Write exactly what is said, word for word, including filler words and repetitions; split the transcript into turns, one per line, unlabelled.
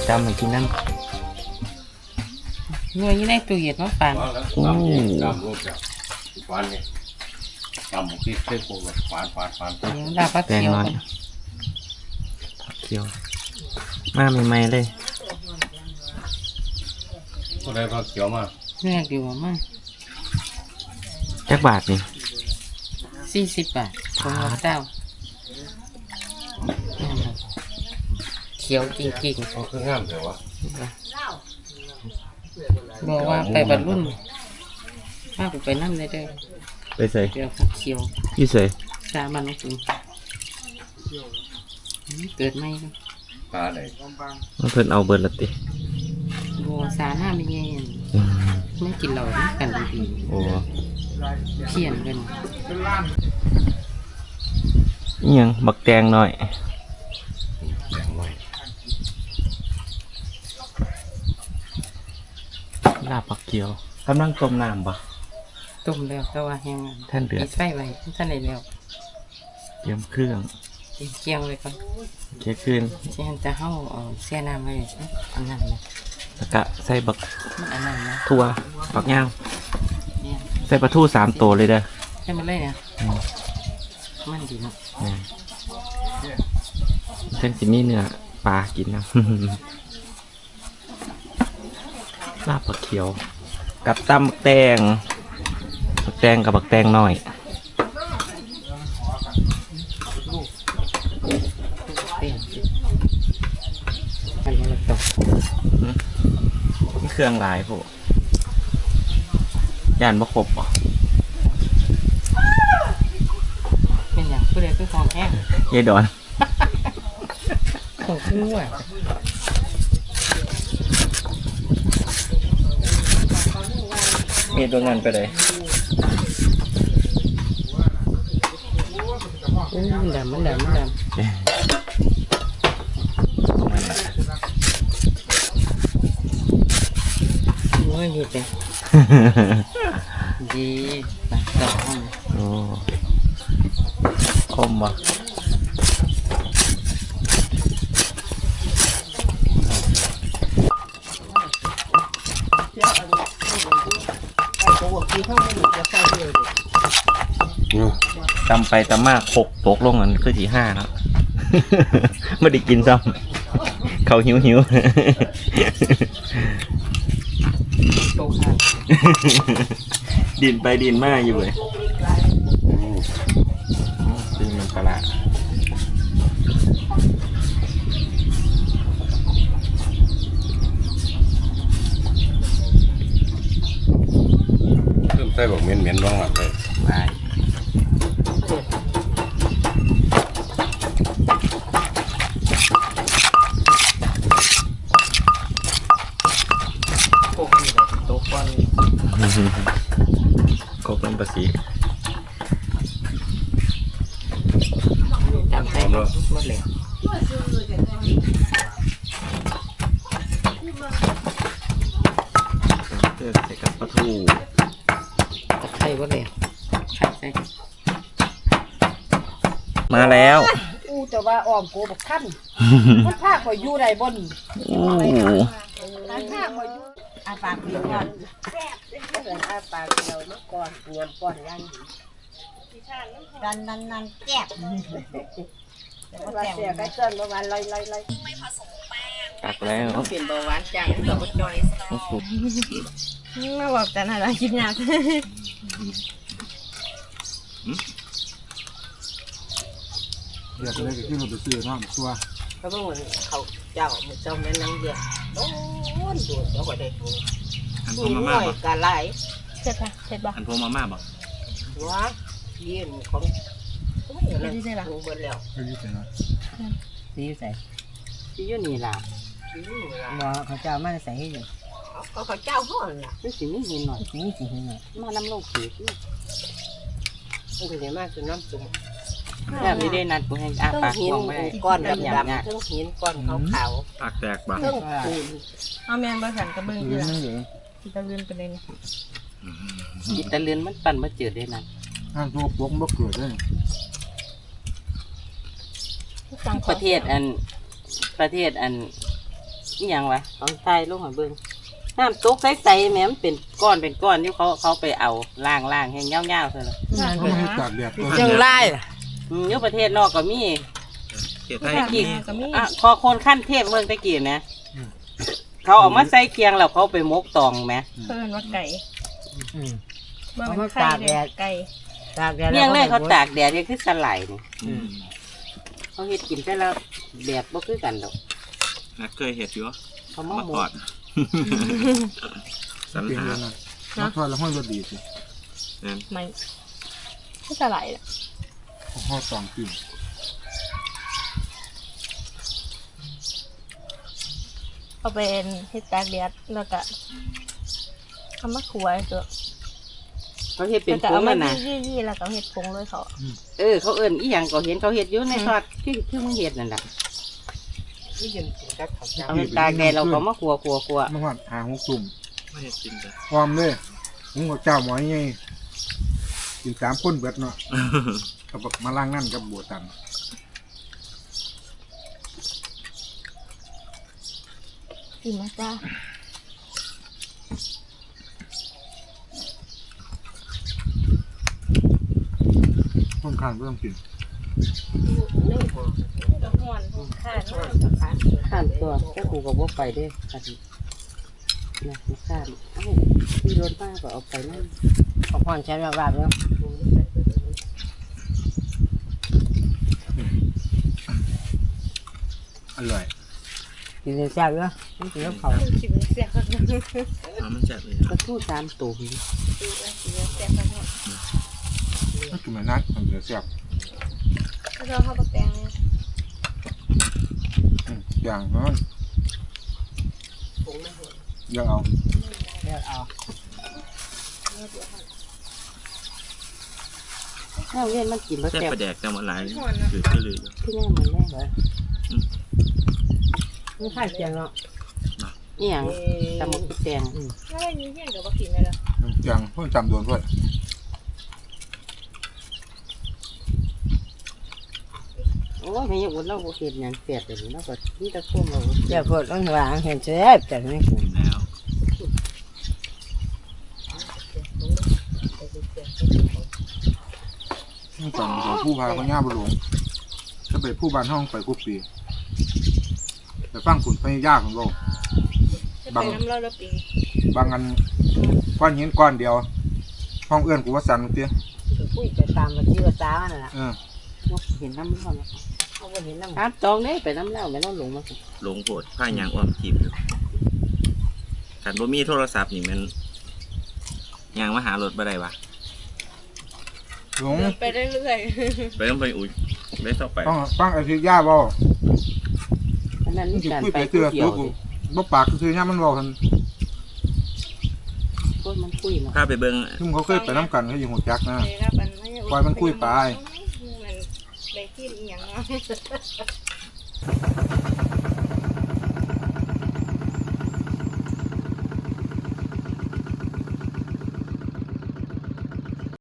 จำให้กินนั่น
เนื้อยี่ในตู้เย็นมาปั่น
โอ้จำรูปแบบฟานเนี่ยจำบุกที่เส้นโค้งฟานฟานฟาน
เดี๋ยวดาพักเขียว
ผักเขียวมาใหม่ๆเลย
ก็ได้ผักเขียวมา
เนื้อดีมาก
จักบาทนี่
สี่สิบบาทของเราเจ้าเขียวจริงๆ
เขาคืองามแต่ว่า
บอกว่าไปบรรลุนมากไปนั่นเลยเด้อ
ไปใส่
เดี๋ยวผักเขียว
ยี่ใส่
สามันจริงเกิดไม่
ปลาไหน
เพิ่นเอาเบิร์ละติ
บัวสาหน้าไม่เย็นไม่กินเรากันดี
โอ้
เขียนกัน
ยังบักแตงหน่อย
แดงไว้
ลาบผักเขียวกำลังต้มน้ำปะ
ต้มแล้วแต่ว่าแห้ง
ท่านเดือด
ใส่ไว้ท่านไหนแล้ว
เตรียมเครื่อง
เคี่ยวเลยก่อน
เคี่ยวขึ้น
เช่นจะเข้าเอาเสียน้ำไว้อันนั้นนะ
แล้วก็ใส่บัก
มันอันนั้นนะ
ถั่วผักย่างใส่ปลาทูสามตัวเลยเด้อ
ใช่มันเลยเนี่ยมันดีนะ
เส้นสิมีเนื้อปลากินนะลาบผักเขียวกับตำบักแตงบักแตงกับบักแตงหน่อยนี่เครื่องหลายพวกย่านบะครบอ่ะ
เป็นอย่างผู้ใดคือของแห้ง
ยายดอน
ของขึ้นว่ะ
มีตัวเงินไปเลย
มันดำมันดำมันดำโอ้ยดีจังดีปากดอก
โอ้คมวะตำไปตำมากหกตกลงกันคือที่ห้าแล้วไม่ได้กินซ้ำเขาหิวหิวดินไปดินมาอยู่เลยดินมันประหลาด
เริ่มใส่แบบเหม็นเหม็นบ้างหลับเลย
ไม่ก็เป็นภาษี
จำได้หมดเลย
เติมใส่กับปลาทู
ตะไคร้หมดเลยไข่ใส่
มาแล้ว
อู้แต่ว่าอ้อมโกบอกท่านมันพาข่อยอยู่ใดบ่นี่
โอ้
มันพาข่อยอยู่อาปากเดียวก่อนแซ่บเด้ออาปากเดียวมาก่อนงวนก่อนยังดันนันนันแซ่บแต่ว่าแซ่บได้เกินประมาณร้อยๆๆไม่ผสมแป้ง
ตักแล้ว
เปลี่ยนเบาหวานจังตัวบ่จอย
โอ้โห
มาบอกกันอะไรกินยาก
เดี๋ยวไปเลยที่เราไปซื้อน้ำตัว
เขาบอกว่าเขาเจ้ามันเจ้าแม่นังเดียวโอ้ยดูเจ้าก็ได้ดู
อันพวมาม่าบ่
กะไหล
เสร็จปะเสร็จปะ
อันพวมาม่าบ่
ว้ายืนของโอ้ยอะไรที่ไหนล่ะเบิดแล้ว
ที่ใส่นะ
ที่ใส่ที่อยู่นี่ล่ะที่อยู่นี่ล่ะว่าเขาเจ้ามาใส่ให้อยู่เขาเขาเจ้าห่อนล่ะนี่สิมีหินหน่อยนี่สิหินหน่อยมาน้ำลงสีนี่มันก็จะมาคือน้ำจุ่มแบบนี้ได้นัดกูให้อาปากกว้างไว้ก้อนดำดำเครื่องหินก้อนขาวขาว
ปากแตกบ้าง
เครื่องปูน
เอาแมงบะขันกระเบื้องอยู่ที่ตะเลือนเป็นไง
จิตะเลือนมันปั่นมาเจอได้นั่น
งานตัวปกบ่เกิดได้
ประเทศอันประเทศอันนี่ยังวะตอนใส่ลงหอยเบิ้งน้ำตกใสๆแม่มันเป็นก้อนเป็นก้อนที่เขาเขาไปเอาล่างล่างแห้งเงาๆเลย
เขาไม่ให้ตากแดดตัว
จังไรอยู่ประเทศนอกก็มี
เกียรติไทย
ตะกี้
ก็มี
อ่ะคอคนขั้นเทพเมืองตะกี้นะเขาเอามาใส่เคียงแล้วเขาไปมกตองไหม
เพิ่นว่าไก่
อืม
บ่แม่นไข่เด้อไก่
ตากแดดเลี้ยงเลยเขาตากแดดเนี่ยคือสไลด์นี่
อืม
เขาเฮ็ดกินแต่ละแบบบ่คือกันดอก
นักเคยเห็ดอยู่
เขามา
มา
หม
ก่อ
ด
นสัน
เปลี่ยน
หา
เลยนะมาทอดแล้วห้อยรสดีสิ
นั่น
ไม่ก็สลายล่ะ
ห่อตองกิน
เอาเป็นเฮ็ดตากแดดแล้วก็เอามาคั่วเถอะ
เขาเฮ็ดเป็น
แล้วก็
ผ
เอา
ง
มา
นั่นน่ะ
ยี่ๆแล้วก็เฮ็ดผงเลยเขา
เออเขาเอิ้นอีหยังก็เห็นเขาเฮ็ดอยู่ในทอดคือคือมึงเฮ็ดนั่นน่ะเอาไปตากแดดเราก็มาคั่วคั่วคั่ว
เมื่อวานหาหกตุ่ม
ไม่เห็ดกินจ้ะ
พร้อมเลยมึงกับเจ้าหมอนี่ไงกินสามคนเบิดเนาะกับบักมาล่างนั่นกับบัวตัน
กินมาจ้า
ต้นข้างก็ต้องกิน
ก็ฮ้อนข้าน
ข้ามตัวแค่กูก็บ่ไปเด้อันนี้นะมาข้ามเอ้าพี่รถป้าก็เอาไปนั่น
ขอพรใช้แบบแบบเนาะ
อร่อย
กินเลยแซ่บเนาะมันกินแล้วเขา
กินเสียคักนึง
เอามันแซ่บเลย
ก็ทู่ตามตัวพี่
กินเสียคักนึง
ถ้ากินมานักมันจะแซ่บ
แล้วเราเข้าไปแปลง
อืมอย่างนั้นยังเอา
เลือกเอา
ข้าวเย็นมันกินบ่
แซ่บ
แซ่บ
ประแดกจังหวัดหลายหรือก็เลย
ที่แน่มันแน่เลย
ไม่ค่ายเคียงเนาะ
อีหยังตำบักหุ่งแตง
แล้วได้ยินเสียงก็บ่กินเลยล่ะ
อย่างเพิ่งจำโดนด้วย
โอ้ยไม่อยากอุ่นเราบ่เฮ็ดหยังแซ่บเลยเราก็มีแต่ความเรา
เดี๋ยวพดต้องวางเห็นแซ่บแต่ไม่กิน
กินแล้ว
ต้องจำของผู้พาพญาบุหลวงถ้าไปผู้บ้านห้องไปกุปีไปฟังขุนพญายาของเรา
จะไปน้ำเราแล้วปี
บางอันก้อนหินก้อนเดียว ห้องเอื้อนกูว่าสันเตี้ย
คุยไปตามมาที่ว่าจ้ามันน่ะ
เออ
เห็นน้ำร้อน
เขาก็เห็นน้ำ
ครับตองนี่ไปน้ำเล่าไปน้ำหลงมาสิ
หลงโผดผ้ายางอ้อมจีบอยู่ขันบ่มีโทรศัพท์นี่มันยางมาหารถบ่ได้วะ
หลง
ไปเรื่อย
ไปต้องไปอุ้ยได้ต่อไป
ต้องฟังไอ้ที่ย่าเบา
อันนั้น
มัน
นี่
สิ
การ
คุย
ไป
ไป
คุ
เตื
ย
อ
เกี่ย
ตัว วกูบ่ปากก็คือย่ามันเบาทัน
คนมันคุยเนาะ
ข้าไปเบิ่ง
ซึ่งเขาเคยไปน้ำกันเขาอยู่หัวจักนะ
ๆเลยครับมันไม่
ปล่อยมันคุยไป
มันได้ที่อีหยังเนาะ